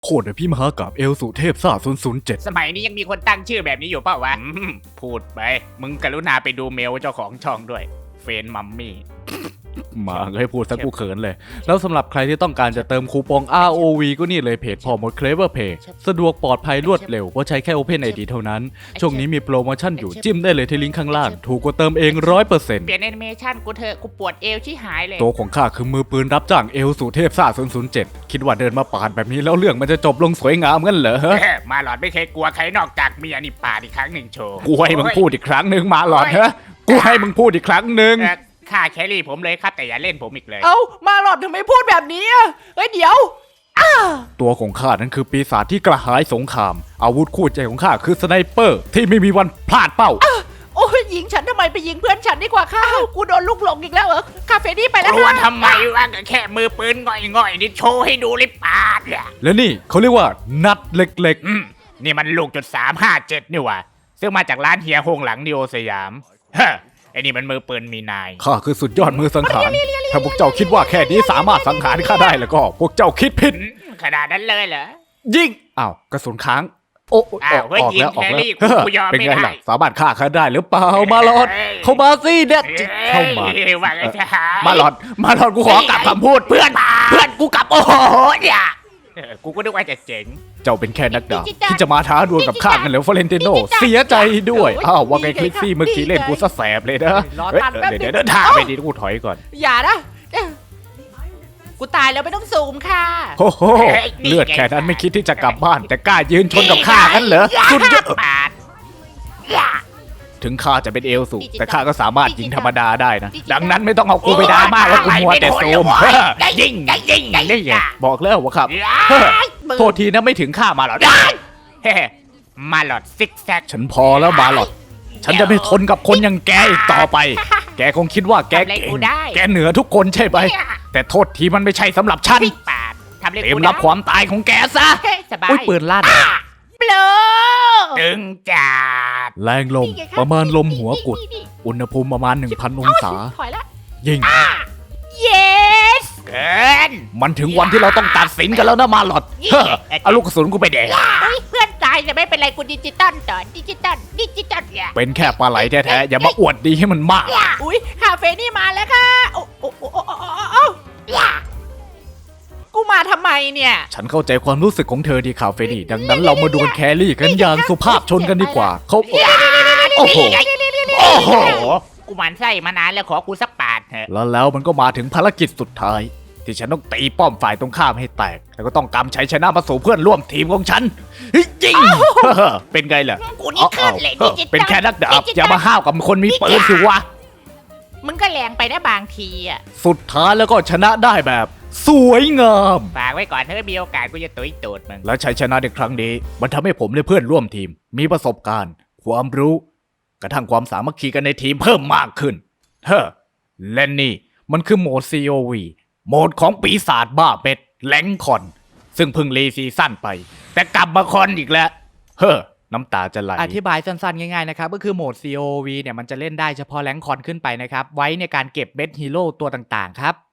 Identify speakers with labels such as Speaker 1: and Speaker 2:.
Speaker 1: โคตรพี่มหากาบเอลสุเทพซ่า007
Speaker 2: สมัยนี้ยังมีคนตั้งชื่อแบบนี้อยู่เปล่าวะพูดไปมึงกรุณาไปดูเมลเจ้าของช่องด้วยเฟนมัมมี่
Speaker 1: มาให้พูดสักกูเขินเลย แล้วสำหรับใครที่ต้องการจะเติมคูปอง ROV ก็นี่เลยเพจพอหมด Clever Pay สะดวกปลอดภัยรวดเร็วเพราะใช้แค่ Open ID เท่านั้น ช่วงนี้มีโปรโมชั่นอยู่จิ้มได้เลยที่ลิงก์ข้างล่าง ถูกกว่าเติมเอง 100%
Speaker 2: เปลี่ยนแอนิเมชันกูเถอะกูปวดเอวชิหายเลย
Speaker 1: ตัวของข้าคือมือปืนรับจ้างเอลสุเทพซ่า007คิดว่าเดินมาปาดแบบนี้แล้วเรื่องมันจะจบลงสวยงามงั้นเหรอ
Speaker 2: มาหลอดไม่เคยกลัวใครนอกจากเมียนี่ปาดอีกครั้งหนึ่งโชว์
Speaker 1: กูให้มึงพูดอีกครั้งหนึ่งมาหลอดฮะกูให้มึงพูดอีกครั้งหนึ่ง
Speaker 2: ฆ่าแครี่ผมเลยครับแต่อย่าเล่นผมอีกเลย
Speaker 3: เอ้ามาหลอดทำไมพูดแบบนี้อ่ะเฮ้ยเดี๋ยว
Speaker 1: ตัวของข้านั้นคือปีศาจที่กระหายสงครามอาวุธคู่ใจของข้าคือสไนเปอร์ที่ไม่มีวันพลาดเป้า
Speaker 3: โอ้ยยิงฉันทำไมไปยิงเพื่อนฉันดีกว่าค่ะกูโดนลูกหลงอีกแล้วเหรอคาเฟ่นี่ไป
Speaker 2: ก
Speaker 3: แล้ว
Speaker 2: ลัว
Speaker 3: ค่ะ
Speaker 2: ทำไมวะก็แค่มือปืนง่อยๆนี่โชว์ให้ดูเลยปาดอ่ะ
Speaker 1: และนี่เขาเรียกว่านัดเล็ก
Speaker 2: นี่มันลูกจุด357นี่วะซึ่งมาจากร้านเฮียโฮงหลังนิโอสยามเฮ้อไอ้นี่มันมือปืนมีนาย
Speaker 1: ๆข้าคือสุดยอดมือสังหารถ้าพวกเจ้าคิดว่าแค่นี้สามารถสังหารข้าได้แล้วก็พวกเจ้าคิดผิด
Speaker 2: ขนาดนั้นเลยเหรอ
Speaker 1: ยิงอ้าวกระสุนค้างโอ้อ
Speaker 2: อ้าวเฮ้ย
Speaker 1: อกแล้ว
Speaker 2: ยิงแครี่
Speaker 1: ออกแล้ว
Speaker 2: กูยอม
Speaker 1: เป็น
Speaker 2: ไม่
Speaker 1: ไง
Speaker 2: ได้
Speaker 1: ล่ะสามารถฆ่าข้าได้หรือเปล่ามาหลอดเข้ามาสิเนี่ยเข้ามา
Speaker 2: ว่าไงจะหาย
Speaker 1: มาหลอดกูขอกลับคำพูดเพื่อนกูกลับโอ้โหเนี่ย
Speaker 2: กูก็นึกว่าจะเจ๋ง
Speaker 1: เจ้าเป็นแค่นักดาบที่จะมาท้าดวลกับข้ากันเหรอฟลอเรนติโนเสียใจด้วยอ้าวว่าไงคลิกซี่เมื่อกี้เล่นกูซะแสบเลยนะเฮ้ยเดี๋ยวท่าไปดีกูถอยก่อน
Speaker 3: อย่านะกูตายแล้วไม่ต้องซูมค่ะ
Speaker 1: โอ้โหเลือดแค่นั้นไม่คิดที่จะกลับบ้าน แต่กล้ายืนชนกับข้ากันเหรอสุดยอด
Speaker 2: ปาด
Speaker 1: ถึงข้าจะเป็นเอลสูแต่ข้าก็สามารถยิงธรรมดาได้นะดังนั้นไม่ต้องเอากูไปดราม่าว่ากูมัวแต่ซูม
Speaker 2: ยิงยิง
Speaker 1: นี่ไงบอกแล้วว่าครับโทษทีนะไม่ถึงข้ามาหรอก
Speaker 2: เฮ้มาหลอดซิกแซก
Speaker 1: ฉันพอแล้วมาหรอกฉันจะไม่ทนกับคนอย่างแกอีกต่อไป แกคงคิดว่าแกเก่งแกเหนือทุกคนใช่ไหมแต่โทษทีมันไม่ใช่สำหรับฉัน
Speaker 2: ปาดทำเล่น
Speaker 1: เตรียมรับความตายของแกซะ
Speaker 2: สบาย
Speaker 1: อุ้ยปืนลั่น
Speaker 3: เบลอ
Speaker 2: ตึงจัด
Speaker 1: แรงลมประมาณลมหัวกุดอุณหภูมิประมาณ 1,000 องศา
Speaker 3: ถอยละ
Speaker 1: ยิง
Speaker 3: yes
Speaker 2: เกิน
Speaker 1: มันถึงวันที่เราต้องตัดสินกันแล้วนะมาหลอดเฮ้อเอาลูกกระสุนกูไปแดก
Speaker 3: เฮ้ยเพื่อนตายแต่ไม่เป็นไรกูดิจิตอลต่อดิจิตอลเนี่ย
Speaker 1: เป็นแค่ปลาไหลแท้ๆอย่ามาอวดดีให้มันมาก
Speaker 3: อุ้ยคาเฟ่นี่มาแล้วค่ะโอ้โอ้โอ้โอ้โอ้กูมาทำไมเนี่ย
Speaker 1: ฉันเข้าใจความรู้สึกของเธอดีคาเฟนี่ดังนั้นเรามาดวลแครี่กันอย่างสุภาพชนกันดีกว่าเขาโอ้โห
Speaker 2: โอ้โหกูหมันไส้มานานแล้วขอกูสักปาดเถอะ
Speaker 1: แล้วมันก็มาถึงภารกิจสุดท้าย ที่ฉันต้องตีป้อมฝ่ายตรงข้ามให้แตก แล้วก็ต้องกำชัยชนะมาสู่เพื่อนร่วมทีมของฉันเฮ้ยจริงเป็นไงล่ะ
Speaker 2: กูนี่ขึ้นเลย
Speaker 1: เป็นแค่นักดาบอย่ามาห้าวกับคนมีปืนสิวะ
Speaker 3: มึงก็แรงไปนะบางทีอ่ะ
Speaker 1: สุดท้ายแล้วก็ชนะได้แบบ สวยงาม
Speaker 2: ฝากไว้ก่อนถ้ามีโอกาสกูจะตุยตูดมึง
Speaker 1: และชัยชนะในครั้งนี้ มันทำให้ผมและเพื่อนร่วมทีม มีประสบการณ์ ความรู้ กระทั่งความสามัคคีกันในทีมเพิ่มมากขึ้นเฮ้อและนี่มันคือโหมด COV โหมดของปีศาจบ้าเป็ดแหลงคอน ซึ่งเพิ่งรีซีซั่นไป แต่กลับมาคอนอีกแล้ว เฮ้อน้ำตาจะไหล
Speaker 4: อธิบายสั้นๆ ง่ายๆ นะครับ ก็คือโหมด COV เนี่ยมันจะเล่นได้เฉพาะแรงค์คอนขึ้นไปนะครับ ไว้ในการเก็บเบสฮีโร่ตัวต่างๆ ครับ